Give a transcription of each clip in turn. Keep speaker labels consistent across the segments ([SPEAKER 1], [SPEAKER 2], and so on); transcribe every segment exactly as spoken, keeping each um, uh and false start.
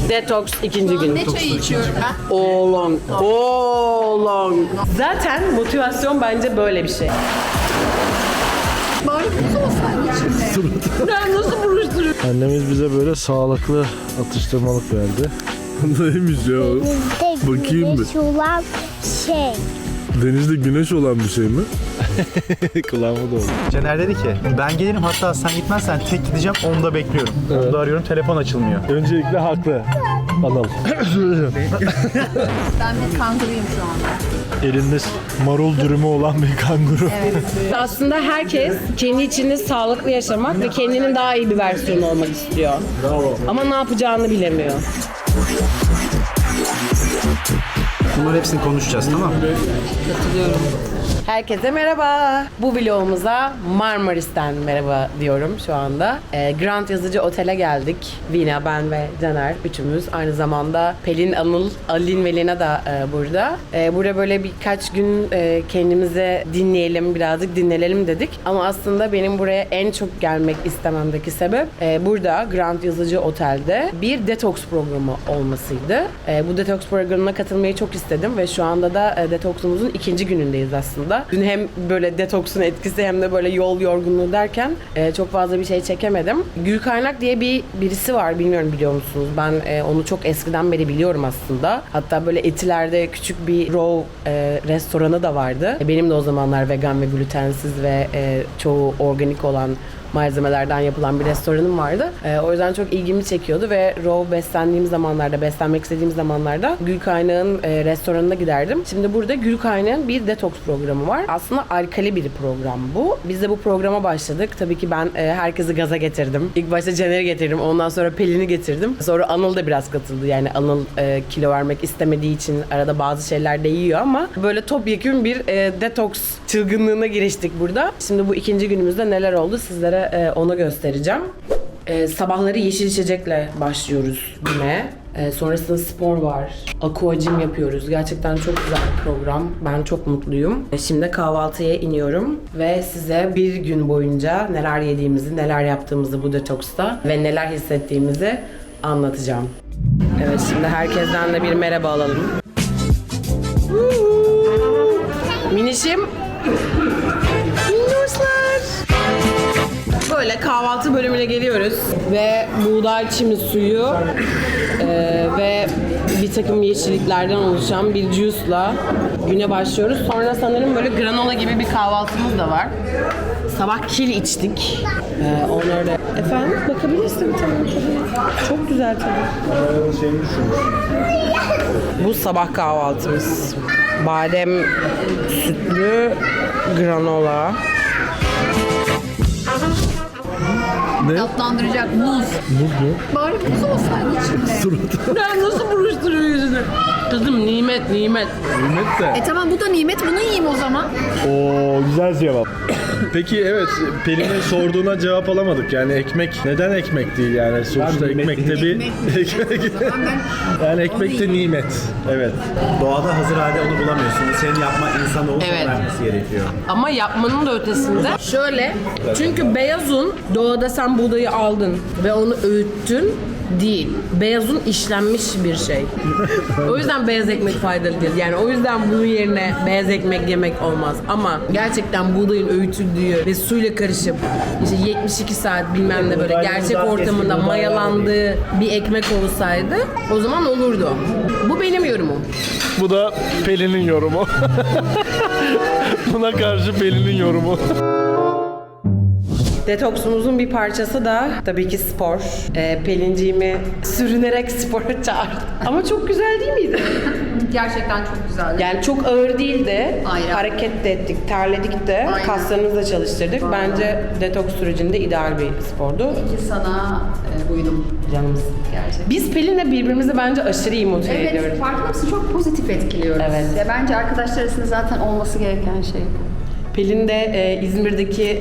[SPEAKER 1] Detoks ikinci gün.
[SPEAKER 2] Ne çayı içiyorum ben?
[SPEAKER 1] Oolong. Oolong. Zaten motivasyon bence böyle bir şey.
[SPEAKER 2] Bari buz olsaydı içimde.
[SPEAKER 1] Ben nasıl buruşturuyorum?
[SPEAKER 3] Annemiz bize böyle sağlıklı atıştırmalık verdi. Neymiş ya? Bakayım bir.
[SPEAKER 4] Güneş olan şey.
[SPEAKER 3] Denizde güneş olan bir şey mi? Kulağıma doldu.
[SPEAKER 5] Caner dedi ki ben gelirim, hatta sen gitmezsen tek gideceğim, onu da bekliyorum.
[SPEAKER 3] Evet.
[SPEAKER 5] Onu da arıyorum, telefon açılmıyor.
[SPEAKER 3] Öncelikle haklı. Anıl.
[SPEAKER 2] Ben bir kanguruyum şu anda.
[SPEAKER 3] Elinde marul dürümü olan bir kanguru.
[SPEAKER 1] Aslında herkes kendi içinde sağlıklı yaşamak ve kendinin daha iyi bir versiyonu olmak istiyor.
[SPEAKER 3] Bravo.
[SPEAKER 1] Ama ne yapacağını bilemiyor.
[SPEAKER 5] Bunların hepsini konuşacağız, tamam mı?
[SPEAKER 1] Katılıyorum. Herkese merhaba. Bu vlogumuza Marmaris'ten merhaba diyorum şu anda. Ee, Grand Yazıcı Otel'e geldik. Vina, ben ve Caner üçümüz. Aynı zamanda Pelin, Anıl, Alin ve Lina da e, burada. E, burada böyle birkaç gün e, kendimize dinleyelim, birazcık dinlenelim dedik. Ama aslında benim buraya en çok gelmek istememdeki sebep e, burada Grand Yazıcı Otel'de bir detoks programı olmasıydı. E, bu detoks programına katılmayı çok istedim ve şu anda da e, detoksumuzun ikinci günündeyiz aslında. Dün hem böyle detoksun etkisi hem de böyle yol yorgunluğu derken e, çok fazla bir şey çekemedim. Gül Kaynak diye bir birisi var, bilmiyorum biliyor musunuz? Ben e, onu çok eskiden beri biliyorum aslında. Hatta böyle Etiler'de küçük bir raw e, restoranı da vardı. E, benim de o zamanlar vegan ve glutensiz ve e, çoğu organik olan malzemelerden yapılan bir restoranım vardı. Ee, o yüzden çok ilgimi çekiyordu ve raw beslendiğim zamanlarda, beslenmek istediğim zamanlarda Gül Kaynak'ın e, restoranına giderdim. Şimdi burada Gül Kaynak'ın bir detoks programı var. Aslında alkali bir program bu. Biz de bu programa başladık. Tabii ki ben e, herkesi gaza getirdim. İlk başta Caner'i getirdim. Ondan sonra Pelin'i getirdim. Sonra Anıl da biraz katıldı. Yani Anıl e, kilo vermek istemediği için arada bazı şeyler de yiyor ama böyle topyekün bir e, detoks çılgınlığına giriştik burada. Şimdi bu ikinci günümüzde neler oldu sizlere e, onu göstereceğim. E, sabahları yeşil içecekle başlıyoruz güne. E, sonrasında spor var. Aquagym yapıyoruz. Gerçekten çok güzel bir program. Ben çok mutluyum. E, şimdi kahvaltıya iniyorum ve size bir gün boyunca neler yediğimizi, neler yaptığımızı bu detoksta ve neler hissettiğimizi anlatacağım. Evet, şimdi herkesten de bir merhaba alalım. Minişim. Minnoşlar. Böyle kahvaltı bölümüne geliyoruz ve buğday çimi suyu e, ve bir takım yeşilliklerden oluşan bir juice'la güne başlıyoruz. Sonra sanırım böyle granola gibi bir kahvaltımız da var. Sabah kil içtik. Ee, onları da... Efendim? Bakabilirsin tamam tabii. Çok güzel tabii. Bu sabah kahvaltımız. Badem sütlü granola.
[SPEAKER 3] Ne?
[SPEAKER 2] Tatlandıracak muz.
[SPEAKER 3] Muz mu?
[SPEAKER 2] Bari buz olsaydı içimde.
[SPEAKER 1] Ben nasıl buruşturuyor yüzünü? Kızım nimet nimet.
[SPEAKER 3] Nimet de.
[SPEAKER 2] E tamam, bu da nimet, bunu yiyeyim o zaman.
[SPEAKER 3] Oo, güzel cevap. Peki evet, Pelin'in sorduğuna cevap alamadık. Yani ekmek neden ekmek değil yani? Sonuçta ekmekte bir ekmek. Yani ekmek de nimet. Evet.
[SPEAKER 5] Doğada hazır halde onu bulamıyorsun. Senin yapma insanı olup
[SPEAKER 1] Evet.
[SPEAKER 5] vermesi gerekiyor.
[SPEAKER 1] Ama yapmanın da ötesinde şöyle, çünkü beyaz un, doğada sen buğdayı aldın ve onu öğüttün değil. Beyaz un işlenmiş bir şey. O yüzden beyaz ekmek faydalı değil. Yani o yüzden bunun yerine beyaz ekmek yemek olmaz. Ama gerçekten buğdayın öğütüldüğü ve suyla karışıp işte yetmiş iki saat bilmem ne böyle gerçek ortamında mayalandığı bir ekmek olsaydı o zaman olurdu. Bu benim yorumum.
[SPEAKER 3] Bu da Pelin'in yorumu. Buna karşı Pelin'in yorumu.
[SPEAKER 1] Detoksumuzun bir parçası da tabii ki spor. Ee, Pelinciğimi sürünerek spora çağırdım. Ama çok güzel değil miydi?
[SPEAKER 2] Gerçekten çok güzel.
[SPEAKER 1] Yani çok ağır değildi.
[SPEAKER 2] Aynen.
[SPEAKER 1] Hareket de ettik, terledik de,
[SPEAKER 2] Aynen.
[SPEAKER 1] kaslarımızı da çalıştırdık. Bence detoks sürecinde ideal bir spordu.
[SPEAKER 2] Ki sana e, uydum.
[SPEAKER 1] Canımız.
[SPEAKER 2] Gerçekten.
[SPEAKER 1] Biz Pelin'le birbirimizi bence aşırı iyi motive
[SPEAKER 2] Evet,
[SPEAKER 1] ediyoruz.
[SPEAKER 2] farkında mısın? Çok pozitif etkiliyoruz.
[SPEAKER 1] Evet.
[SPEAKER 2] Ya bence arkadaşlar arasında zaten olması gereken şey bu.
[SPEAKER 1] Pelin de e, İzmir'deki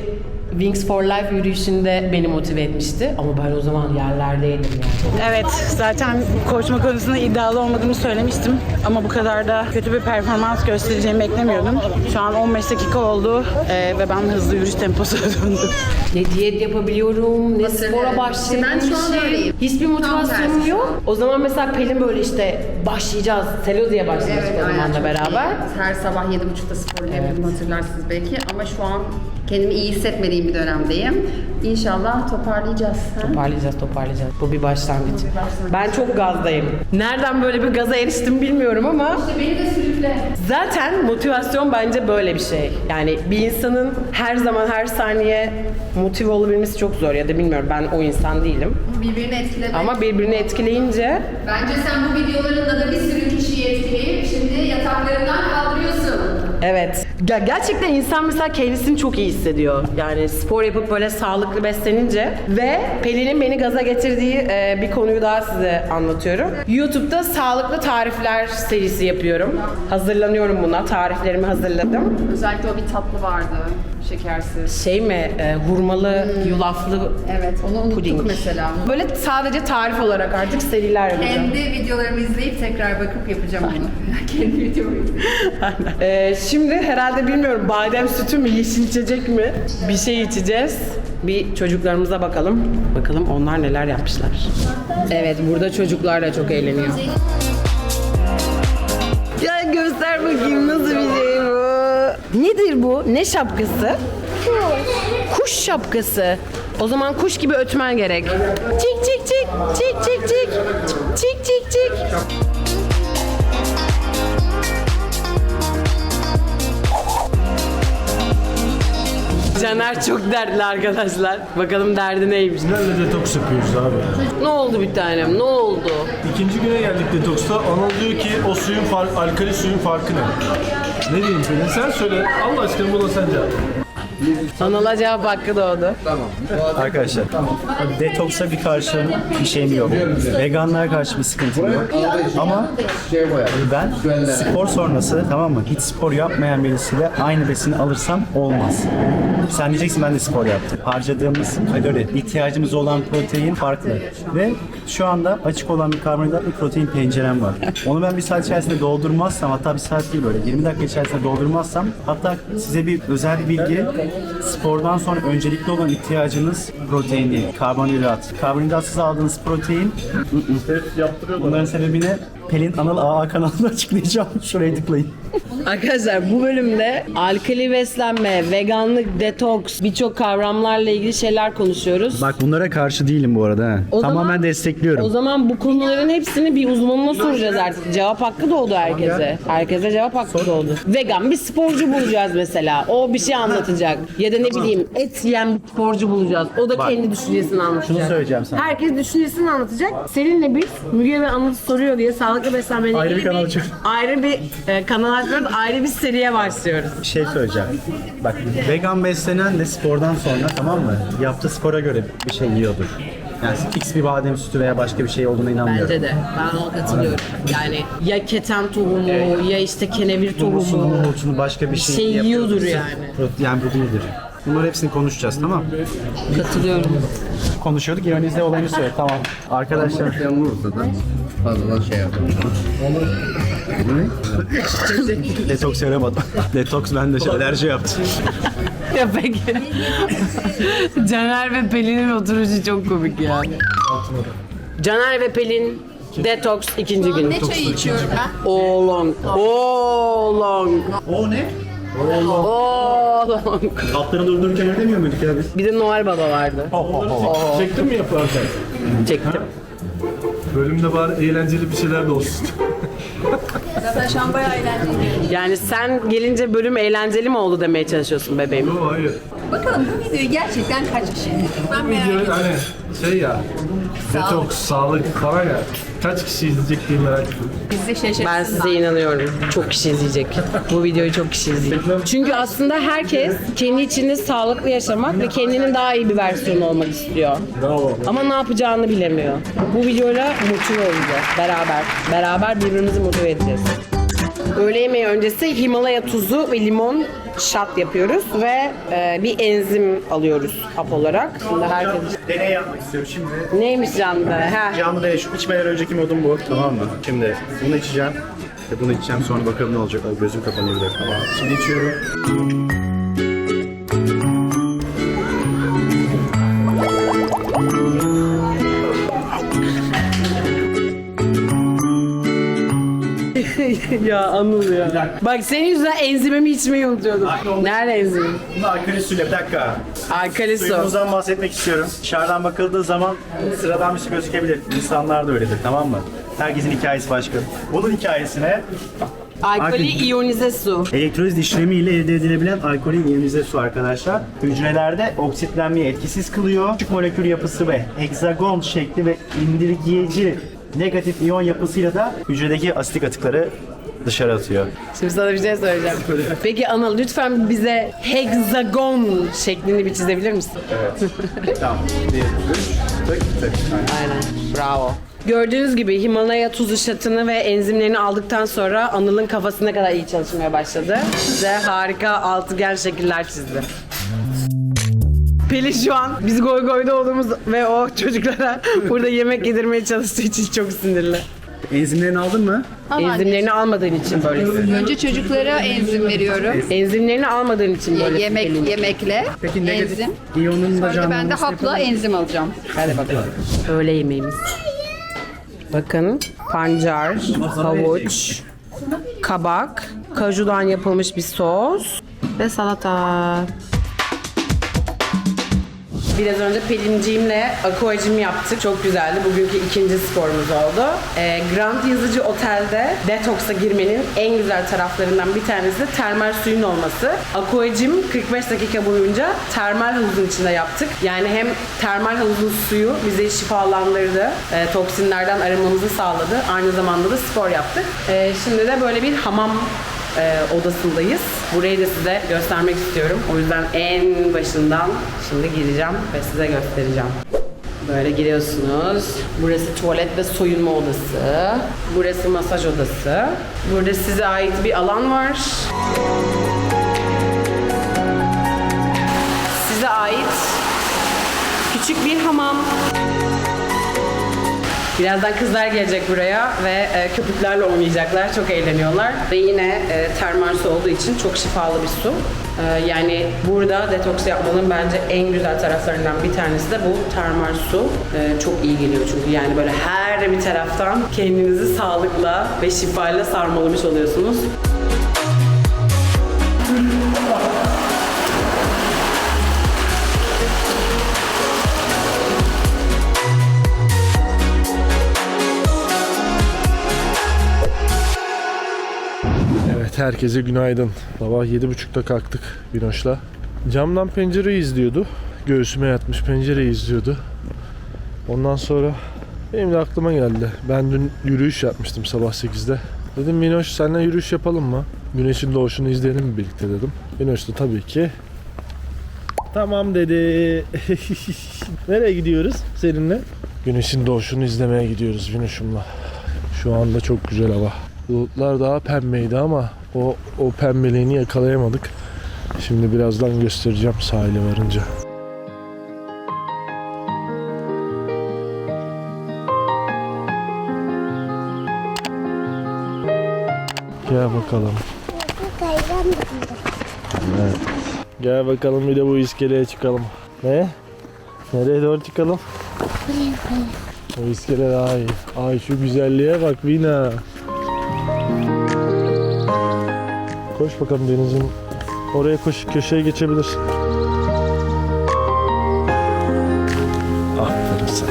[SPEAKER 1] Wings for Life yürüyüşünde beni motive etmişti. Ama ben o zaman yerlerdeydim yani.
[SPEAKER 6] Evet, zaten koşma konusunda iddialı olmadığımı söylemiştim. Ama bu kadar da kötü bir performans göstereceğimi beklemiyordum. Şu an on beş dakika oldu ee, ve ben hızlı yürüyüş temposuna döndüm.
[SPEAKER 1] Ne diyet yapabiliyorum, ne spora başlayabilirim.
[SPEAKER 2] Ben şu an öyleyim.
[SPEAKER 1] Hiçbir
[SPEAKER 2] Tam
[SPEAKER 1] motivasyonum
[SPEAKER 2] tersi.
[SPEAKER 1] yok. O zaman mesela Pelin böyle işte başlayacağız, Selozi'ye başlamıştık o zaman da
[SPEAKER 2] çok
[SPEAKER 1] beraber.
[SPEAKER 2] iyi. Her sabah yedi buçukta spor yapıyordum, hatırlarsınız belki. Ama şu an kendimi iyi hissetmediğim bir dönemdeyim. İnşallah toparlayacağız. Ha?
[SPEAKER 1] Toparlayacağız, toparlayacağız. Bu bir başlangıç. Ben çok gazdayım. Nereden böyle bir gaza eriştim bilmiyorum ama
[SPEAKER 2] Beni de sürükle.
[SPEAKER 1] zaten motivasyon bence böyle bir şey. Yani bir insanın her zaman her saniye motive olabilmesi çok zor ya da bilmiyorum, ben o insan değilim.
[SPEAKER 2] Birbirini etkilemek.
[SPEAKER 1] Ama birbirini etkileyince
[SPEAKER 2] Bence sen bu videolarında da bir sürü kişiyi etkileyip şimdi yataklarından kaldırıyorsun.
[SPEAKER 1] evet. Ya gerçekten insan mesela kendisini çok iyi hissediyor. Yani spor yapıp böyle sağlıklı beslenince ve Pelin'in beni gaza getirdiği e, bir konuyu daha size anlatıyorum. YouTube'da sağlıklı tarifler serisi yapıyorum. Hazırlanıyorum buna. Tariflerimi hazırladım.
[SPEAKER 2] Özellikle o bir tatlı vardı. Şekersiz.
[SPEAKER 1] Şey mi? E, hurmalı, yulaflı
[SPEAKER 2] Evet, onu unuttuk
[SPEAKER 1] puding.
[SPEAKER 2] mesela.
[SPEAKER 1] Böyle sadece tarif olarak artık seriler yapacağım.
[SPEAKER 2] Kendi videolarımı izleyip tekrar bakıp yapacağım onu. Kendi videomu izleyip.
[SPEAKER 1] Ee, şimdi herhalde bilmiyorum badem sütü mü, yeşil içecek mi bir şey içeceğiz. Bir çocuklarımıza bakalım. Bakalım onlar neler yapmışlar. Evet, burada çocuklar da çok eğleniyor. Ya göster bakayım nasıl bir şey bu. Nedir bu? Ne şapkası? Kuş şapkası. O zaman kuş gibi ötmen gerek. Çik çik çik, çik çik çik, çik çik çik. Caner çok dertli arkadaşlar. Bakalım derdi neymiş.
[SPEAKER 3] Nerede detoks yapıyoruz abi?
[SPEAKER 1] Ne oldu bir tanem? Ne oldu?
[SPEAKER 3] İkinci güne geldik detoksta. Anıl diyor ki o suyun fark, alkali suyun farkı ne? Ne diyeyim Pelin? Sen söyle. Allah aşkına buna sen cevap.
[SPEAKER 1] Anıl'a cevap hakkı doğdu.
[SPEAKER 5] Arkadaşlar, detoksa bir karşı bir şeyim yok. Veganlara karşı bir sıkıntım yok. Ama ben spor sonrası, tamam mı? Hiç spor yapmayan birisiyle aynı besini alırsam olmaz. Sen diyeceksin ben de spor yaptım. Harcadığımız kalori, ihtiyacımız olan protein farklı. Ve şu anda açık olan bir karbonhidrat ve protein pencerem var. Onu ben bir saat içerisinde doldurmazsam, hatta bir saat değil böyle yirmi dakika içerisinde doldurmazsam, hatta size bir özel bir bilgi, spordan sonra öncelikli olan ihtiyacınız protein değil, karbonhidrat. Karbonhidratsız aldığınız protein, bunların sebebini Pelin Anıl A A kanalında açıklayacağım. Şuraya tıklayın.
[SPEAKER 1] Arkadaşlar bu bölümde alkali beslenme, veganlık, detoks, birçok kavramlarla ilgili şeyler konuşuyoruz.
[SPEAKER 5] Bak bunlara karşı değilim bu arada. Ha.
[SPEAKER 1] O
[SPEAKER 5] Tamamen
[SPEAKER 1] zaman-
[SPEAKER 5] destekliyorum.
[SPEAKER 1] O zaman bu konuların hepsini bir uzmanına soracağız artık. Cevap hakkı doğdu herkese. Herkese cevap hakkı doğdu. Vegan bir sporcu bulacağız mesela. O bir şey anlatacak. Ya da ne bileyim et yiyen bir sporcu bulacağız. O da
[SPEAKER 5] Bak,
[SPEAKER 1] kendi düşüncesini anlatacak.
[SPEAKER 5] şunu söyleyeceğim sana.
[SPEAKER 1] Herkes düşüncesini anlatacak. Seninle biz Müge ve Anıl soruyor diye sağlıklı beslenmeyle
[SPEAKER 5] Ayrı bir
[SPEAKER 1] ilgili
[SPEAKER 5] kanal açıyoruz.
[SPEAKER 1] ayrı bir e, kanal açıyoruz. Ayrı bir seriye başlıyoruz.
[SPEAKER 5] Bir şey söyleyeceğim. Bak vegan beslenen de spordan sonra, tamam mı? Yaptığı spora göre bir şey yiyordur. Yani fix bir badem sütü veya başka bir şey olduğuna inanmıyorum.
[SPEAKER 1] Bence de. Ben ona katılıyorum. Yani ya keten tohumu ya işte kenevir
[SPEAKER 5] Humusunu,
[SPEAKER 1] tohumu.
[SPEAKER 5] humusunu başka bir şey,
[SPEAKER 1] şey
[SPEAKER 5] yapıyordur.
[SPEAKER 1] yiyordur yani.
[SPEAKER 5] Yani bu değildir. Bunları hepsini konuşacağız, tamam mı?
[SPEAKER 1] Katılıyorum.
[SPEAKER 5] Konuşuyorduk, ironizde olayını söyle, tamam. Arkadaşlar.
[SPEAKER 7] Fazla şey yapalım.
[SPEAKER 5] Detoks yaramadı. Detoks bende şey, alerji yaptı.
[SPEAKER 1] Ya peki. Caner ve Pelin'in oturuşu çok komik ya. Caner ve Pelin detoks ikinci gün.
[SPEAKER 2] Ne çayı içiyorum ben?
[SPEAKER 1] Oolong. Oolong.
[SPEAKER 5] O ne?
[SPEAKER 1] Oolong.
[SPEAKER 5] Atları durdururken öyle demiyor muyduk ya biz?
[SPEAKER 1] Bir de Noel Baba vardı.
[SPEAKER 3] Çektin mi yaparken?
[SPEAKER 1] Çektim.
[SPEAKER 3] Bölümde bari eğlenceli bir şeyler de olsun.
[SPEAKER 2] Zaten şu an bayağı eğlenceli.
[SPEAKER 1] Yani sen gelince bölüm eğlenceli mi oldu demeye çalışıyorsun bebeğim?
[SPEAKER 3] Yok hayır.
[SPEAKER 2] Bakalım bu videoyu gerçekten kaç kişi? Ben merak
[SPEAKER 3] Video
[SPEAKER 2] ediyorum.
[SPEAKER 3] hani şey ya, detoks, sağlık falan ya. Kaç kişi izleyecek diye merak ediyorum.
[SPEAKER 2] Bizi şaşırtsınlar.
[SPEAKER 1] Ben size inanıyorum. Çok kişi izleyecek. Bu videoyu çok kişi izleyecek. Çünkü aslında herkes kendi içinde sağlıklı yaşamak ve kendinin daha iyi bir versiyonu olmak istiyor.
[SPEAKER 3] Bravo.
[SPEAKER 1] Ama ne yapacağını bilemiyor. Bu videoyla motive olacağız beraber. Beraber birbirimizi motive edeceğiz. Öğle yemeği öncesi Himalaya tuzu ve limon shot yapıyoruz ve e, bir enzim alıyoruz hap olarak. Şimdi herkes...
[SPEAKER 5] Deney yapmak istiyorum şimdi.
[SPEAKER 1] Neymiş canlı? Ha.
[SPEAKER 5] Canlı deney. Şu içmeden önceki modum bu. Tamam mı? Şimdi bunu içeceğim. Ve bunu içeceğim. Sonra bakalım ne olacak. Ay, gözüm kapanıyor bir dakika. Tamam. Şimdi içiyorum.
[SPEAKER 1] Ya Anıl ya. Bak senin yüzünden enzimimi içmeyi unutuyordum. Nerede enzimim?
[SPEAKER 5] Bunu alkali suyla bir dakika.
[SPEAKER 1] Alkali su.
[SPEAKER 5] Suyumuzdan bahsetmek istiyorum. Dışarıdan bakıldığı zaman sıradan bir su gözükebilir. İnsanlar da öyledir, tamam mı? Herkesin hikayesi başka. Bunun hikayesine
[SPEAKER 1] Alkoli iyonize su.
[SPEAKER 5] elektroliz işlemiyle elde edilebilen alkolin iyonize su arkadaşlar. Hücrelerde oksitlenmeyi etkisiz kılıyor. Küçük molekül yapısı ve heksagon şekli ve indirgeyici negatif iyon yapısıyla da hücredeki asitik atıkları dışarı atıyor.
[SPEAKER 1] Şimdi sana bir şey söyleyeceğim. Peki Anıl lütfen bize hexagon şeklini bir çizebilir misin?
[SPEAKER 5] Tamam. Bir, üç, tık tık. Aynen.
[SPEAKER 1] Aynen. Bravo. Gördüğünüz gibi Himalaya tuzu şatını ve enzimlerini aldıktan sonra Anıl'ın kafası ne kadar iyi çalışmaya başladı. Size harika altıgen şekiller çizdi. Pelin şu an biz goy goyda olduğumuz ve o çocuklara burada yemek yedirmeye çalıştığı için çok sinirli.
[SPEAKER 5] Enzimlerini aldın mı?
[SPEAKER 1] Enzimlerini almadığın için böyle.
[SPEAKER 2] Önce çocuklara enzim veriyorum.
[SPEAKER 1] Enzimlerini almadığın için böyle.
[SPEAKER 2] Yemek yemekle
[SPEAKER 5] Peki negatif
[SPEAKER 2] enzim.
[SPEAKER 5] iyonun da
[SPEAKER 2] Sonra da ben de
[SPEAKER 5] canlanmasını
[SPEAKER 2] hapla enzim alacağım.
[SPEAKER 1] Hadi bakalım. Öğle yemeğimiz. Bakın pancar, havuç, kabak, kajudan yapılmış bir sos ve salata. Biraz önce Pelinciğimle aquacım yaptık. Çok güzeldi. Bugünkü ikinci sporumuz oldu. Ee, Grand Yazıcı Otel'de detoksa girmenin en güzel taraflarından bir tanesi de termal suyun olması. Aquacım kırk beş dakika boyunca termal havuzun içinde yaptık. Yani hem termal havuzun suyu bizi şifalandırdı, e, toksinlerden arınmamızı sağladı. Aynı zamanda da spor yaptık. E, şimdi de böyle bir hamam e, odasındayız. Burayı da size göstermek istiyorum. O yüzden en başından şimdi gireceğim ve size göstereceğim. Böyle giriyorsunuz. Burası tuvalet ve soyunma odası. Burası masaj odası. Burada size ait bir alan var. Size ait küçük bir hamam. Birazdan kızlar gelecek buraya ve e, köpüklerle oynayacaklar. Çok eğleniyorlar. Ve yine e, termal su olduğu için çok şifalı bir su. E, yani burada detoks yapmanın bence en güzel taraflarından bir tanesi de bu termal su. E, çok iyi geliyor çünkü yani böyle her bir taraftan kendinizi sağlıkla ve şifayla sarmalamış oluyorsunuz.
[SPEAKER 3] Evet, herkese günaydın. Sabah yedi buçukta kalktık Binoş'la. Camdan pencereyi izliyordu. Göğsüme yatmış pencereyi izliyordu. Ondan sonra benim de aklıma geldi. Ben dün yürüyüş yapmıştım sabah sekizde. Dedim Binoş seninle yürüyüş yapalım mı? Güneşin doğuşunu izleyelim mi birlikte dedim. Binoş da tabii ki tamam dedi. Nereye gidiyoruz seninle? Güneşin doğuşunu izlemeye gidiyoruz Binoş'umla. Şu anda çok güzel hava. Bulutlar daha pembeydi ama o, o pembeliğini yakalayamadık. Şimdi birazdan göstereceğim sahile varınca. Gel bakalım. Evet. Gel bakalım bir de bu iskeleye çıkalım. Ne? Nereye doğru çıkalım? O iskele daha iyi. Ay şu güzelliğe bak Vina. Koş bakalım denizin. Oraya koş, köşeye geçebilirsin. Aferin sana.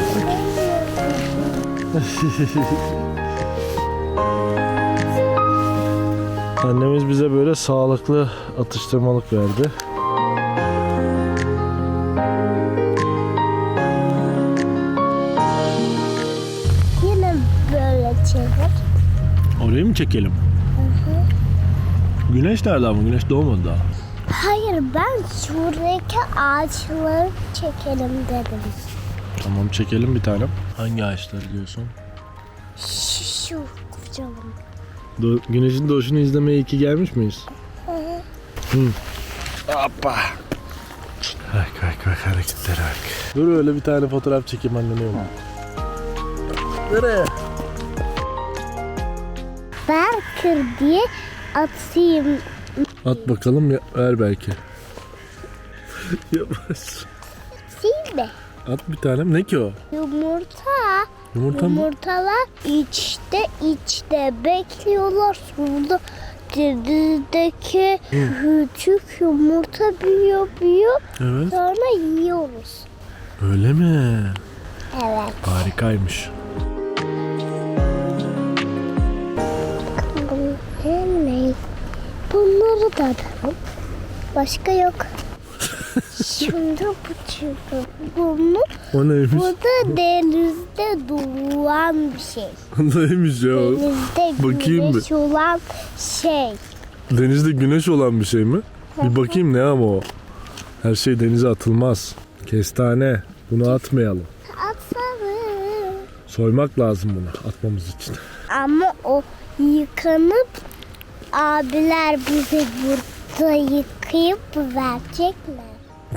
[SPEAKER 3] Annemiz bize böyle sağlıklı atıştırmalık verdi.
[SPEAKER 4] Yine böyle çevir.
[SPEAKER 3] Orayı mı çekelim? Güneş nerede ama? Güneş doğmadı daha.
[SPEAKER 4] Hayır, ben şuradaki ağaçları çekelim dedim.
[SPEAKER 3] Tamam çekelim bir tane. Hangi ağaçları diyorsun?
[SPEAKER 4] Şu, şu kocaman.
[SPEAKER 3] Do- güneşin doğuşunu izlemeye iyi ki gelmiş miyiz? Hı. Hoppa. Bak bak bak hareketlere bak. Dur öyle bir tane fotoğraf çekeyim annene yolla. Nereye?
[SPEAKER 4] Barker diye atayım.
[SPEAKER 3] At bakalım ya, ver belki. Yapmaz.
[SPEAKER 4] Değil mi?
[SPEAKER 3] At bir tane. Ne ki o?
[SPEAKER 4] Yumurta.
[SPEAKER 3] Yumurta mı?
[SPEAKER 4] Yumurtalar içte içte bekliyorlar. Sonra denizdeki küçük yumurta büyüyor büyüyor.
[SPEAKER 3] Evet.
[SPEAKER 4] Sonra yiyoruz.
[SPEAKER 3] Öyle mi?
[SPEAKER 4] Evet.
[SPEAKER 3] Harikaymış.
[SPEAKER 4] Hemen bunları da alalım. Başka yok. Şimdi bu çıktı. Bunu
[SPEAKER 3] O neymiş?
[SPEAKER 4] bu da denizde duran bir şey.
[SPEAKER 3] O neymiş ya?
[SPEAKER 4] Denizde
[SPEAKER 3] Bakayım bir.
[SPEAKER 4] güneş olan şey.
[SPEAKER 3] Denizde güneş olan bir şey mi? Bir bakayım ne ama o. Her şey denize atılmaz. Kestane. Bunu atmayalım.
[SPEAKER 4] Atalım.
[SPEAKER 3] Soymak lazım bunu atmamız için.
[SPEAKER 4] Ama o yıkanıp abiler bize burada yıkayıp verecekler.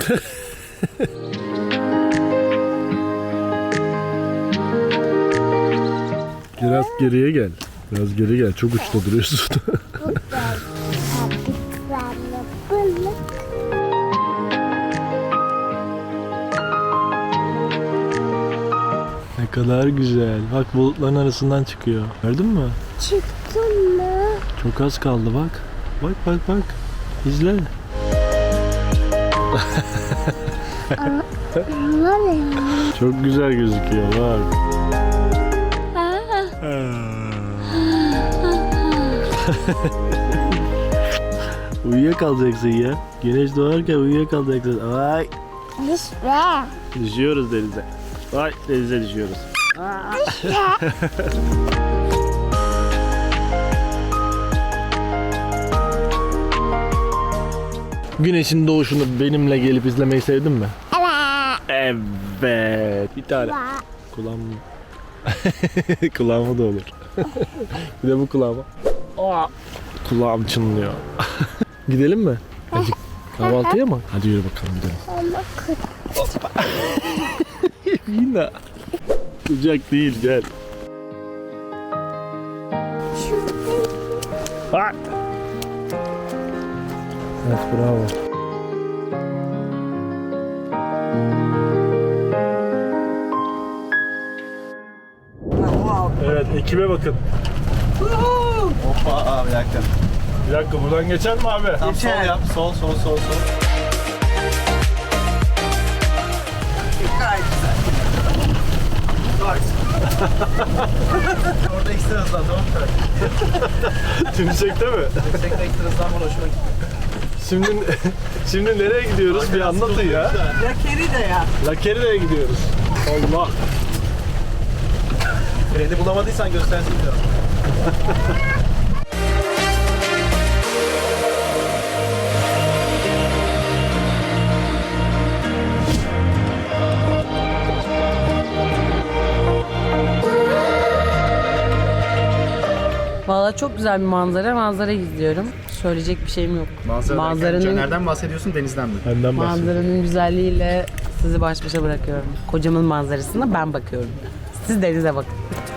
[SPEAKER 3] Biraz geriye gel. Biraz geri gel. Çok uçta duruyorsun.
[SPEAKER 4] Abiklerle balık.
[SPEAKER 3] Ne kadar güzel. Bak bulutların arasından çıkıyor. Gördün mü?
[SPEAKER 4] Çıktın mı?
[SPEAKER 3] Çok az kaldı bak. Bak bak bak. İzle.
[SPEAKER 4] Var ya.
[SPEAKER 3] Çok güzel gözüküyor bak. Uyuyakalacaksın ya. Güneş doğarken uyuyakalacaksın. Ay.
[SPEAKER 4] Düşme.
[SPEAKER 3] Düşüyoruz denize. Ay denize düşüyoruz. Güneşin doğuşunu benimle gelip izlemeyi sevdin mi?
[SPEAKER 4] Evet.
[SPEAKER 3] Evet. Bir tane. Kulağım kulağıma da olur. Bir de bu kulağıma. Aa, kulağım çınlıyor. Gidelim mi? Hadi kahvaltıya mı? Hadi yürü bakalım gidelim.
[SPEAKER 4] Ama
[SPEAKER 3] Yine. Sıcak değil gel. Ha. Evet bravo. Evet ekibe bakın.
[SPEAKER 5] Hoppa abi bir dakika.
[SPEAKER 3] Bir dakika buradan geçer mi abi?
[SPEAKER 5] Tam sol yap. Sol sol sol sol. Gayet güzel. Orada ekstra hızlan tamam mı?
[SPEAKER 3] Tümsekte mi?
[SPEAKER 5] Yüksekte ekstra hızlan bana hoşuma gitti.
[SPEAKER 3] Şimdi şimdi nereye gidiyoruz? Bir anlatın ya.
[SPEAKER 6] Lakerida.
[SPEAKER 3] Lakeride'ye gidiyoruz. Allah.
[SPEAKER 5] Freni bulamadıysan göstersin diyorum.
[SPEAKER 1] Valla çok güzel bir manzara. Manzara izliyorum. Söyleyecek bir şeyim yok. Manzaranın,
[SPEAKER 5] Nereden bahsediyorsun? Denizden mi?
[SPEAKER 3] Benden bahsediyorum.
[SPEAKER 1] manzaranın güzelliğiyle sizi baş başa bırakıyorum. Kocamın manzarasına ben bakıyorum. Siz denize bakın.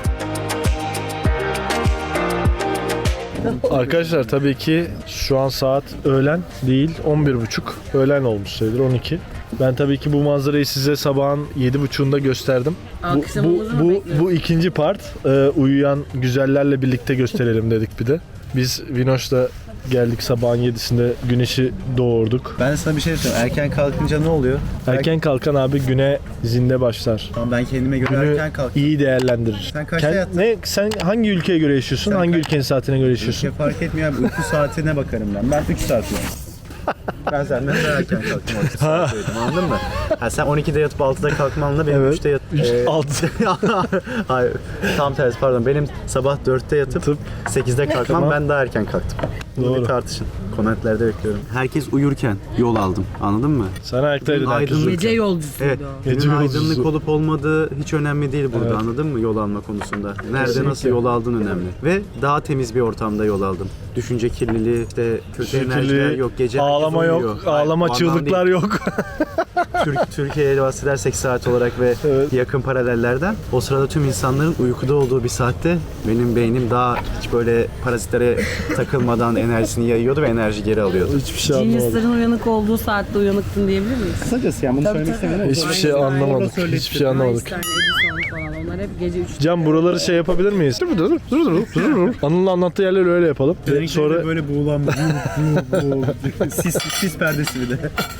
[SPEAKER 3] Arkadaşlar tabii ki şu an saat öğlen değil on bir buçuk. Öğlen olmuş sayılır on iki. Ben tabii ki bu manzarayı size sabahın yedi buçuğunda gösterdim. Bu, bu,
[SPEAKER 1] Akşamımızı mı
[SPEAKER 3] bu,
[SPEAKER 1] bekliyoruz?
[SPEAKER 3] bu ikinci part. Ee, uyuyan güzellerle birlikte gösterelim dedik bir de. Biz Vinoş'la geldik sabahın yedisinde güneşi doğurduk.
[SPEAKER 5] Ben de sana bir şey söyleyeyim. Erken kalkınca ne oluyor?
[SPEAKER 3] Erken kalkan abi güne zinde başlar.
[SPEAKER 5] Tamam, ben kendime göre
[SPEAKER 3] Günü
[SPEAKER 5] erken kalktım.
[SPEAKER 3] iyi değerlendirir.
[SPEAKER 5] Sen kaçta
[SPEAKER 3] Kend-
[SPEAKER 5] yattın?
[SPEAKER 3] Ne, sen hangi ülkeye göre yaşıyorsun?
[SPEAKER 5] Sen
[SPEAKER 3] hangi
[SPEAKER 5] kaç-
[SPEAKER 3] ülkenin saatine göre
[SPEAKER 5] Bir
[SPEAKER 3] yaşıyorsun?
[SPEAKER 5] şey fark etmiyor abi. Uyku saatine bakarım ben. Ben üç saat uyuyorum. Ben senden daha erken kalktım. Anladın mı? Ha, sen on ikide yatıp altıda kalkmanla benim
[SPEAKER 3] Evet.
[SPEAKER 5] üçte yat... Ee,
[SPEAKER 3] altı.
[SPEAKER 5] Hayır. Tam tersi pardon. Benim sabah dörtte yatıp sekizde kalkmam,
[SPEAKER 3] Tamam.
[SPEAKER 5] ben daha erken kalktım. Bunu
[SPEAKER 3] Doğru.
[SPEAKER 5] bir tartışın. Komentlerde bekliyorum. Herkes uyurken yol aldım. Anladın mı?
[SPEAKER 3] Sen ayaktaydın
[SPEAKER 5] Aydın-
[SPEAKER 3] herkes.
[SPEAKER 1] Gece yolcusuydu
[SPEAKER 5] Evet.
[SPEAKER 1] o.
[SPEAKER 3] Gece
[SPEAKER 5] Günün
[SPEAKER 3] yolcusu.
[SPEAKER 5] aydınlık olup olmadığı hiç önemli değil burada.
[SPEAKER 3] Evet.
[SPEAKER 5] Anladın mı yol alma konusunda? Nerede
[SPEAKER 3] Kesinlikle.
[SPEAKER 5] nasıl yol aldın önemli. Ve daha temiz bir ortamda yol aldım. Düşünce kirliliği, işte kötü enerjiler yok. Gece herkes
[SPEAKER 3] ağlama yok,
[SPEAKER 5] uyuyor.
[SPEAKER 3] ağlama
[SPEAKER 5] Hayır,
[SPEAKER 3] çığlıklar
[SPEAKER 5] değil.
[SPEAKER 3] yok.
[SPEAKER 5] Türk, Türkiye'ye bahsedersek saat olarak ve
[SPEAKER 3] Evet.
[SPEAKER 5] yakın paralellerden o sırada tüm insanların uykuda olduğu bir saatte benim beynim daha hiç böyle parazitlere takılmadan enerjisini yayıyordu ve enerji geri alıyordu.
[SPEAKER 3] Hiçbir şey anlamadım.
[SPEAKER 1] Genius'ların uyanık olduğu saatte uyanıktın diyebilir miyiz?
[SPEAKER 5] Kısacası yani bunu söylemek istemiyorum.
[SPEAKER 3] Hiçbir şey anlamadık. Hiçbir şey anlamadık.
[SPEAKER 1] Einstein, Edison falan onlar hep gece üçte.
[SPEAKER 3] Can buraları şey yapabilir miyiz? Dur dur dur dur dur dur. Anıl'ın anlattığı yerleri öyle yapalım. Sonra
[SPEAKER 5] böyle buğulan sis, sis perdesi bir de.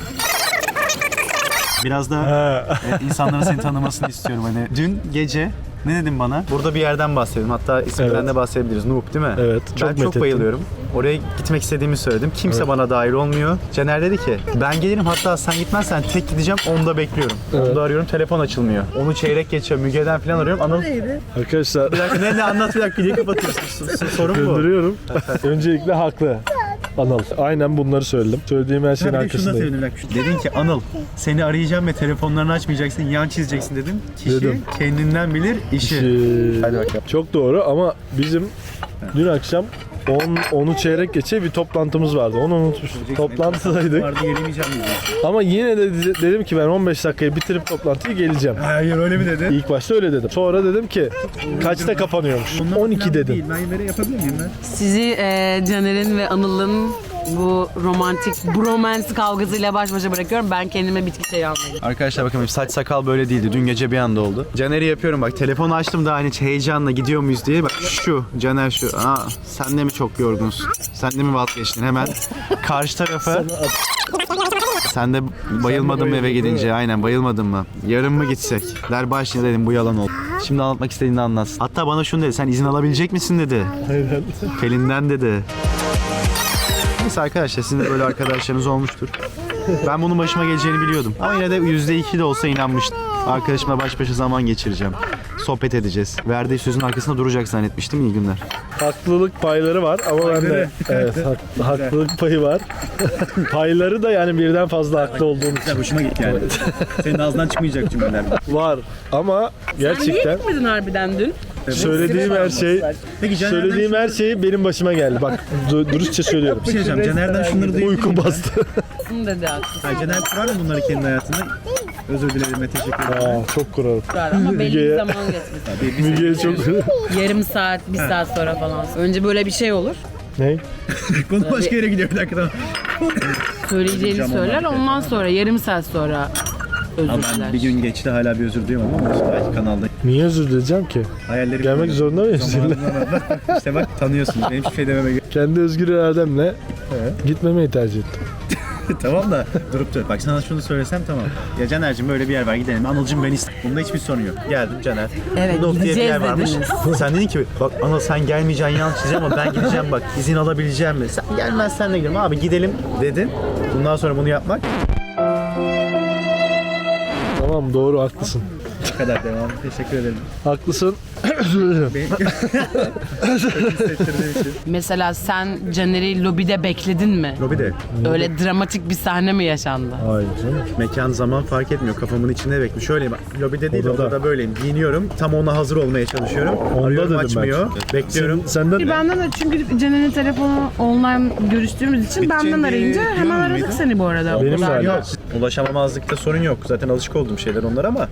[SPEAKER 5] Biraz daha
[SPEAKER 3] Ha.
[SPEAKER 5] evet, insanların seni tanımasını istiyorum. Hani dün gece ne dedin bana? Burada bir yerden bahsedelim. Hatta isminden
[SPEAKER 3] Evet.
[SPEAKER 5] de bahsedebiliriz. Noob değil mi?
[SPEAKER 3] Evet, çok
[SPEAKER 5] Ben çok
[SPEAKER 3] methettim.
[SPEAKER 5] bayılıyorum. Oraya gitmek istediğimi söyledim. Kimse bana dahil olmuyor. Caner dedi ki ben gelirim, hatta sen gitmezsen tek gideceğim. Onda bekliyorum.
[SPEAKER 3] Evet.
[SPEAKER 5] Onda arıyorum, telefon açılmıyor. Onu çeyrek geçiyor. Müge'den falan arıyorum. Anıl
[SPEAKER 3] arkadaşlar
[SPEAKER 5] bir dakika ne ne anlat bir dakika niye kapatıyorsun? S- s- Sorun bu.
[SPEAKER 3] gönderiyorum. Öncelikle haklı. Anıl. Aynen bunları söyledim. Söylediğim her şeyin
[SPEAKER 5] Ha, bir de şunu da
[SPEAKER 3] arkasındayım.
[SPEAKER 5] sevindim. bir dakika. Dedin ki Anıl seni arayacağım ve telefonlarını açmayacaksın, yan çizeceksin dedim. Kişi
[SPEAKER 3] Dedim.
[SPEAKER 5] kendinden bilir işi.
[SPEAKER 3] Şey,
[SPEAKER 5] Hadi bakalım.
[SPEAKER 3] çok doğru ama bizim dün akşam on, onu çeyrek geçe bir toplantımız vardı. Onu unutmuşum. Toplantıdaydık.
[SPEAKER 5] Vardı gelemeyeceğim mi?
[SPEAKER 3] Ama yine de de- dedim ki ben on beş dakikayı bitirip toplantıyı geleceğim.
[SPEAKER 5] Hayır öyle mi dedin?
[SPEAKER 3] İlk başta öyle dedim. Sonra dedim ki kaçta kapanıyormuş? on iki dedim.
[SPEAKER 5] Ben böyle yapabilir miyim ben?
[SPEAKER 1] Sizi e, Caner'in ve Anıl'ın bu romantik bromance kavgasıyla baş başa bırakıyorum. Ben kendime bitki çayı almayayım.
[SPEAKER 5] Arkadaşlar bakın benim saç sakal böyle değildi. Dün gece bir anda oldu. Caner'i yapıyorum bak. Telefonu açtım da hani heyecanla gidiyor muyuz diye. Bak şu Caner şu. Aa sen de mi çok yorgunsun? Sen de mi vazgeçtin? Hemen karşı tarafa. Sen de bayılmadın mı eve gidince? Aynen bayılmadın mı? Yarın mı gitsek? Der başına dedim bu yalan oldu. Şimdi anlatmak istediğini anlatsın. Hatta bana şunu dedi. Sen izin alabilecek misin dedi.
[SPEAKER 3] Aynen.
[SPEAKER 5] Pelin'den dedi. Neyse arkadaşlar sizin de böyle arkadaşlarınız olmuştur. Ben bunun başıma geleceğini biliyordum. Ama yine de yüzde iki de olsa inanmıştım. Arkadaşımla baş başa zaman geçireceğim. Sohbet edeceğiz. Verdiği sözün arkasında duracak zannetmiştim. İyi günler.
[SPEAKER 3] Haklılık payları var ama ben de evet hak- haklılık payı var. Payları da yani birden fazla haklı olduğum için
[SPEAKER 5] Hoşuma gitti yani. Senin ağzından çıkmayacak cümleler.
[SPEAKER 3] var ama gerçekten
[SPEAKER 1] Gitmedin harbiden dün.
[SPEAKER 3] söylediğim her şey
[SPEAKER 5] Peki Caner'den
[SPEAKER 3] söylediğim her şey benim başıma geldi. Bak du- dürüstçe söylüyorum.
[SPEAKER 5] bir şey diyeceğim. Caner'den şunları duyuyor.
[SPEAKER 3] Uyku bastı.
[SPEAKER 1] Bunu dedi haklısın.
[SPEAKER 5] Hayır, Caner kurar mı bunları kendi hayatında? Özür dilerim ve teşekkür ederim.
[SPEAKER 3] Aa, çok kurarım.
[SPEAKER 1] Ama belli bir
[SPEAKER 3] Müge'ye-
[SPEAKER 1] zaman geçmesi.
[SPEAKER 5] Bir, bir
[SPEAKER 3] Müge'ye çok
[SPEAKER 1] Yarım saat, bir saat sonra falan. Önce böyle bir şey olur.
[SPEAKER 3] ne?
[SPEAKER 5] konu başka yere gidiyor bir dakika. Tamam.
[SPEAKER 1] Söyleyeceğini söyler. Ondan sonra yarım saat sonra özür
[SPEAKER 5] Ama
[SPEAKER 1] diler.
[SPEAKER 5] ben bir gün geçti hala bir özür duyamadım ama olsun, belki kanalda.
[SPEAKER 3] Niye özür dileyeceğim ki?
[SPEAKER 5] Hayalleri
[SPEAKER 3] Gelmek zorunda mıyım seninle?
[SPEAKER 5] İşte bak tanıyorsun. Benim hiçbir şey dememe gerek
[SPEAKER 3] Kendi özgür irademle gitmemeyi tercih ettim.
[SPEAKER 5] Tamam da durup dur. Bak sana şunu söylesem tamam. Ya Caner'cim böyle bir yer var gidelim. Anıl'cım ben istedim. Bunda hiçbir sorun yok. Geldim Caner.
[SPEAKER 1] Evet,
[SPEAKER 5] Noob diye bir
[SPEAKER 1] gideceğiz
[SPEAKER 5] yer varmış.
[SPEAKER 1] dediniz.
[SPEAKER 5] Sen dedin ki bak Anıl sen gelmeyeceksin yan çizeceğim ama ben gideceğim bak izin alabileceğim mi? Sen gelmezsen de gidelim abi gidelim dedin. Bundan sonra bunu yapmak
[SPEAKER 3] Tamam doğru haklısın.
[SPEAKER 5] bu kadar devam. Teşekkür ederim.
[SPEAKER 3] Haklısın. Özür dilerim.
[SPEAKER 1] Mesela sen Caner'i lobide bekledin mi?
[SPEAKER 5] Lobide.
[SPEAKER 1] Öyle dramatik bir sahne mi yaşandı?
[SPEAKER 3] Hayır canım.
[SPEAKER 5] Mekan zaman fark etmiyor. Kafamın içinde bekliyorum. Şöyleyim bak. Lobide değil
[SPEAKER 3] Odada.
[SPEAKER 5] odada böyleyim. Giyiniyorum. Tam ona hazır olmaya çalışıyorum.
[SPEAKER 3] Onda
[SPEAKER 5] Arıyorum
[SPEAKER 3] dedim
[SPEAKER 5] açmıyor.
[SPEAKER 3] ben.
[SPEAKER 5] Bekliyorum.
[SPEAKER 3] Sen, senden
[SPEAKER 1] Benden de çünkü Caner'in telefonu online görüştüğümüz için benden
[SPEAKER 5] Biteceğini
[SPEAKER 1] arayınca hemen
[SPEAKER 5] biliyor
[SPEAKER 1] aradık
[SPEAKER 5] muydun?
[SPEAKER 1] seni bu arada.
[SPEAKER 3] Benim de
[SPEAKER 1] Okullarda.
[SPEAKER 3] öyle.
[SPEAKER 5] Yok. Ulaşamamazlıkta sorun yok. Zaten alışık olduğum şeyler onlar ama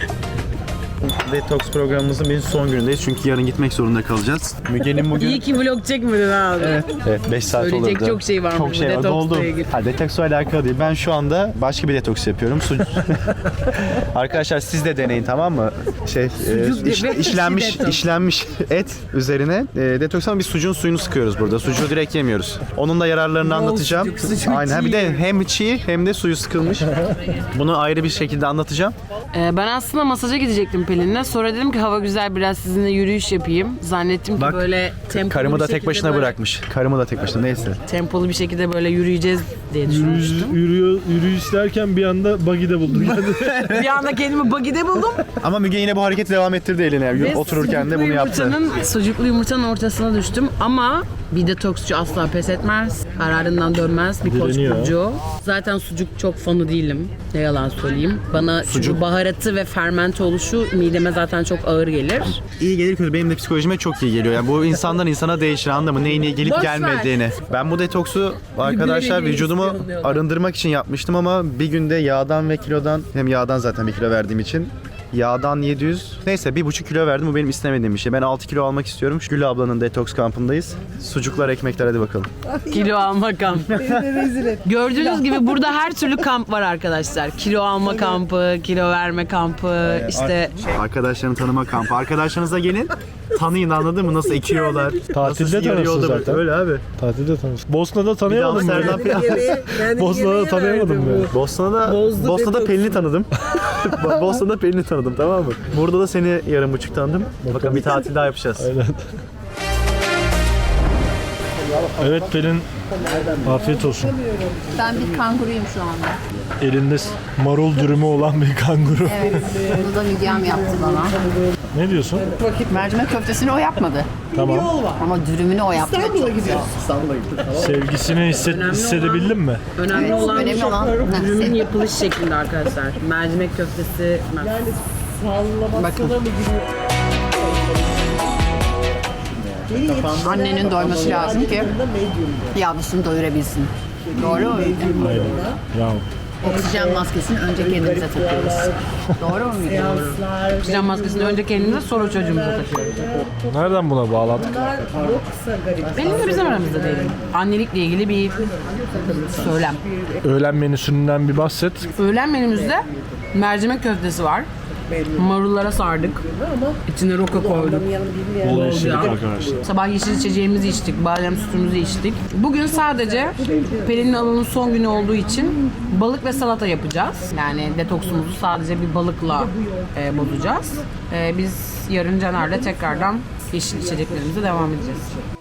[SPEAKER 5] Detox programımızın bir son günündeyiz çünkü yarın gitmek zorunda kalacağız. Müge'nin bugün
[SPEAKER 1] İyi ki vlog çekmedin abi.
[SPEAKER 5] evet beş saat
[SPEAKER 1] Söyleyecek
[SPEAKER 5] olurdu.
[SPEAKER 1] çok şey varmış
[SPEAKER 5] Çok
[SPEAKER 1] bu
[SPEAKER 5] şey var.
[SPEAKER 1] detoksla
[SPEAKER 5] Doldu.
[SPEAKER 1] ilgili.
[SPEAKER 5] Ha, detoksla alakalı değil. Ben şu anda başka bir detoks yapıyorum. Su... Arkadaşlar siz de deneyin tamam mı? Şey e, iş-
[SPEAKER 1] ve
[SPEAKER 5] işlenmiş
[SPEAKER 1] detoks.
[SPEAKER 5] işlenmiş et üzerine e, detoks ama biz sucuğun suyunu sıkıyoruz burada. Sucuğu direkt yemiyoruz. Onun da yararlarını anlatacağım.
[SPEAKER 1] sucuk, sucuk
[SPEAKER 5] Aynen. Ha, bir
[SPEAKER 1] çiğ.
[SPEAKER 5] de hem çiğ hem de suyu sıkılmış. Bunu ayrı bir şekilde anlatacağım.
[SPEAKER 1] Ee, ben aslında masaja gidecektim Pelin'le. Sonra dedim ki hava güzel, biraz sizinle yürüyüş yapayım. Zannettim ki
[SPEAKER 5] Bak,
[SPEAKER 1] böyle tempolu
[SPEAKER 5] Karımı
[SPEAKER 1] bir
[SPEAKER 5] da tek
[SPEAKER 1] şekilde
[SPEAKER 5] başına
[SPEAKER 1] böyle-
[SPEAKER 5] bırakmış. Karımı da tek başına neyse.
[SPEAKER 1] Tempolu bir şekilde böyle yürüyeceğiz diye
[SPEAKER 3] Yürüyüş,
[SPEAKER 1] düşünmüştüm.
[SPEAKER 3] yürüyor, yürüyüş derken bir anda buggy'de buldum kendimi.
[SPEAKER 1] Bir anda kendimi buggy'de buldum.
[SPEAKER 5] Ama Müge yine bu hareketi devam ettirdi eline. Yani.
[SPEAKER 1] Ve
[SPEAKER 5] Otururken de
[SPEAKER 1] sucuklu
[SPEAKER 5] bunu yaptı.
[SPEAKER 1] yumurtanın- Sucuklu yumurtanın ortasına düştüm ama bir detoksçu asla pes etmez. Kararından dönmez. Bir koç
[SPEAKER 3] Direniyor.
[SPEAKER 1] burcu. Zaten sucuk çok fanı değilim. Ne yalan söyleyeyim. Bana çünkü baharatı ve fermente oluşu mideme zaten çok ağır gelir.
[SPEAKER 5] İyi gelir kötü. Benim de psikolojime çok iyi geliyor. Yani bu insandan insana değişir, anladın mı? Neyin iyi gelip
[SPEAKER 1] Boş ver.
[SPEAKER 5] gelmediğini. Ben bu detoksu arkadaşlar
[SPEAKER 1] Birbirine
[SPEAKER 5] vücudumu
[SPEAKER 1] istiyorum diyorlar.
[SPEAKER 5] arındırmak için yapmıştım ama bir günde yağdan ve kilodan, hem yağdan zaten bir kilo verdiğim için yağdan yedi yüz, neyse bir buçuk kilo verdim. Bu benim istemediğim bir şey. Ben altı kilo almak istiyorum. Gül ablanın detoks kampındayız. Sucuklar, ekmekler, hadi bakalım.
[SPEAKER 1] Kilo alma kampı. Gördüğünüz gibi burada her türlü kamp var arkadaşlar. Kilo alma kampı, kilo verme kampı, işte
[SPEAKER 5] Arkadaşlarını tanıma kampı. Arkadaşlarınıza gelin. Tanıyın, anladın mı? Nasıl ekiyorlar.
[SPEAKER 3] Tatilde
[SPEAKER 5] nasıl yarı
[SPEAKER 3] tanırsın
[SPEAKER 5] yolda-
[SPEAKER 3] zaten.
[SPEAKER 5] Öyle abi.
[SPEAKER 3] Tatilde tanıştık. Bosna'da
[SPEAKER 5] Bir daha
[SPEAKER 3] tanıyamadım
[SPEAKER 5] Amsterdam
[SPEAKER 3] ben. Bosna'da tanıyamadım ben.
[SPEAKER 5] Bosna'da, Bosna'da Pelin'i tanıdım. Bosna'da Pelin'i tanıdım, tamam mı? Burada da seni yarım buçuk tanıdım. Bakalım bir tatil daha yapacağız.
[SPEAKER 3] Aynen. Evet Pelin, afiyet olsun.
[SPEAKER 2] Ben bir kanguruyum şu anda.
[SPEAKER 3] Elinde marul dürümü olan bir kanguru.
[SPEAKER 2] Evet. Bunu da Müge'm yaptı bana.
[SPEAKER 3] Ne diyorsun?
[SPEAKER 2] Mercimek köftesini o yapmadı.
[SPEAKER 3] Tamam.
[SPEAKER 2] Ama dürümünü o yaptı. Çok güzel.
[SPEAKER 3] Sevgisini hisset, hissedebildin mi?
[SPEAKER 1] önemli
[SPEAKER 2] Evet,
[SPEAKER 1] olan
[SPEAKER 2] önemli olan-
[SPEAKER 1] ürünün yapılış şeklinde arkadaşlar. Mercimek köftesi. Bakın.
[SPEAKER 2] Annenin doyması lazım ki yavrusunu doyurabilsin. Doğru mu?
[SPEAKER 3] Ya
[SPEAKER 2] Oksijen maskesini önce kendimize takıyoruz. Doğru mu?
[SPEAKER 1] Oksijen maskesini önce kendimize, sonra çocuğumuza takıyoruz.
[SPEAKER 3] nereden buna bağladık?
[SPEAKER 1] Benim de bizim aramızda değil. Annelikle ilgili bir söylem.
[SPEAKER 3] Öğlen menüsünden bir bahset.
[SPEAKER 1] Öğlen menümüzde mercimek köftesi var. Marullara sardık. İçine roka koyduk.
[SPEAKER 3] Bol yeşillik
[SPEAKER 1] yağ.
[SPEAKER 3] arkadaşlar.
[SPEAKER 1] Sabah yeşil içeceğimizi içtik, badem sütümüzü içtik. Bugün sadece Pelin'in alının son günü olduğu için balık ve salata yapacağız. Yani detoksumuzu sadece bir balıkla e, bozacağız. E, biz yarın Caner'le tekrardan yeşil içeceklerimize devam edeceğiz.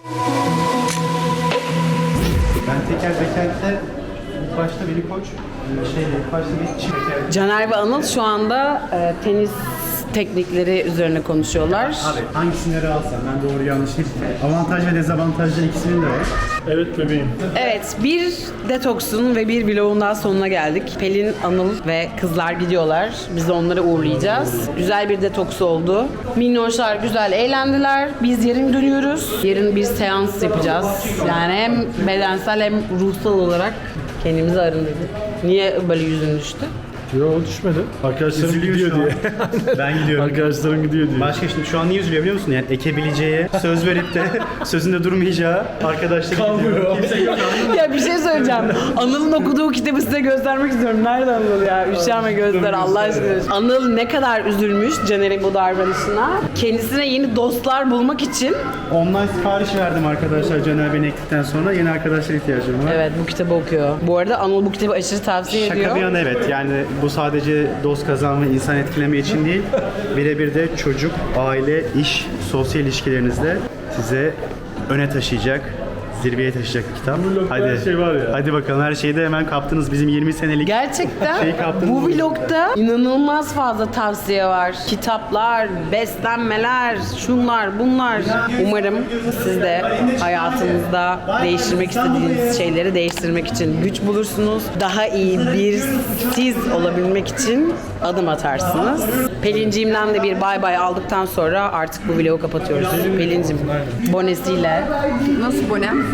[SPEAKER 5] Ben teker bekente ilk başta beni koç şeyle ilk başta bir çift teker.
[SPEAKER 1] Caner ve Anıl şu anda e, tenis teknikleri üzerine konuşuyorlar.
[SPEAKER 5] Abi hangisini alsam ben doğru yanlış değil. Avantaj ve dezavantajlı ikisinin de var.
[SPEAKER 3] Evet bebeğim.
[SPEAKER 1] Evet, bir detoksun ve bir vlogun daha sonuna geldik. Pelin, Anıl ve kızlar gidiyorlar. Biz de onları uğurlayacağız. Güzel bir detoks oldu. Minnoşlar güzel eğlendiler. Biz yarın dönüyoruz. Yarın bir seans yapacağız. Yani hem bedensel hem ruhsal olarak kendimizi arındırdık. Niye böyle yüzün düştü?
[SPEAKER 3] Yok düşmedi. Arkadaşlarım
[SPEAKER 5] Üzülüyor
[SPEAKER 3] gidiyor
[SPEAKER 5] şu an.
[SPEAKER 3] diye.
[SPEAKER 5] Ben gidiyorum.
[SPEAKER 3] Arkadaşlarım gidiyor diye.
[SPEAKER 5] Başka şimdi şu an niye üzülüyor biliyor musun? Yani ekebileceği, söz verip de sözünde durmayacağı arkadaşları gidiyor. Kimse yok.
[SPEAKER 1] Ya bir şey söyleyeceğim. Anıl'ın okuduğu kitabı size göstermek istiyorum. Nerede Anıl ya? Üşenme göster Allah aşkına. Anıl ne kadar üzülmüş Caner'in bu davranışına. Kendisine yeni dostlar bulmak için.
[SPEAKER 5] Online sipariş verdim arkadaşlar Caner beni ektikten sonra. Yeni arkadaşlara ihtiyacım var.
[SPEAKER 1] Evet, bu kitabı okuyor. Bu arada Anıl bu kitabı aşırı tavsiye ediyor.
[SPEAKER 5] Şaka bir yana evet, yani bu sadece dost kazanma, insan etkileme için değil, birebir de çocuk, aile, iş, sosyal ilişkilerinizde size öne taşıyacak, zirveye taşıyacak bir kitap.
[SPEAKER 3] blogda
[SPEAKER 5] Hadi,
[SPEAKER 3] her şey var ya.
[SPEAKER 5] hadi bakalım, her şeyi de hemen kaptınız, bizim yirmi senelik.
[SPEAKER 1] Gerçekten
[SPEAKER 5] Şeyi kaptınız
[SPEAKER 1] bu
[SPEAKER 5] mı?
[SPEAKER 1] vlogda inanılmaz fazla tavsiye var. Kitaplar, beslenmeler, şunlar, bunlar. Umarım siz de hayatınızda değiştirmek istediğiniz şeyleri değiştirmek için güç bulursunuz. Daha iyi bir siz olabilmek için adım atarsınız. Pelinciğimden de bir bay bay aldıktan sonra artık bu vlogu kapatıyoruz. Pelincim bonesiyle.
[SPEAKER 2] Nasıl bonem?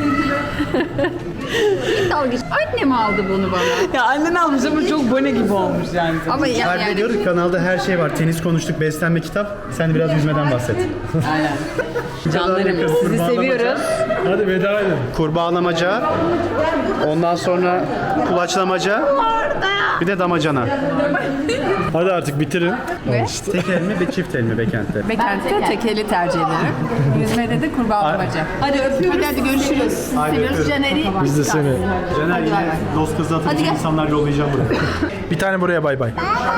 [SPEAKER 2] Dalga geç. Annem aldı bunu bana.
[SPEAKER 1] Ya annen almış ama çok bone gibi olmuş yani.
[SPEAKER 2] Ama ya,
[SPEAKER 5] Harbi
[SPEAKER 2] yani
[SPEAKER 5] diyorduk, kanalda her şey var. Tenis konuştuk, beslenme, kitap. Sen de biraz yüzmeden bahset.
[SPEAKER 1] Aynen. Canlarım sizi
[SPEAKER 5] Kurbağalamaca.
[SPEAKER 1] seviyoruz.
[SPEAKER 3] Hadi veda edin.
[SPEAKER 5] Kurbağalamaca, ondan sonra kulaçlamaca, bir de damacana.
[SPEAKER 3] Hadi artık bitirin.
[SPEAKER 5] Tek el mi ve çift el mi Bekent'te?
[SPEAKER 2] Bekent'te tekeli tercih ederim. Yüzmede de kurbağalamaca. Hadi öpüyoruz. Hadi, hadi görüşürüz. Seviyoruz Caner'i.
[SPEAKER 3] Biz de seni.
[SPEAKER 5] Caner yine dost kızı atınca insanlar yollayacağım buraya.
[SPEAKER 3] Bir tane buraya bay bay.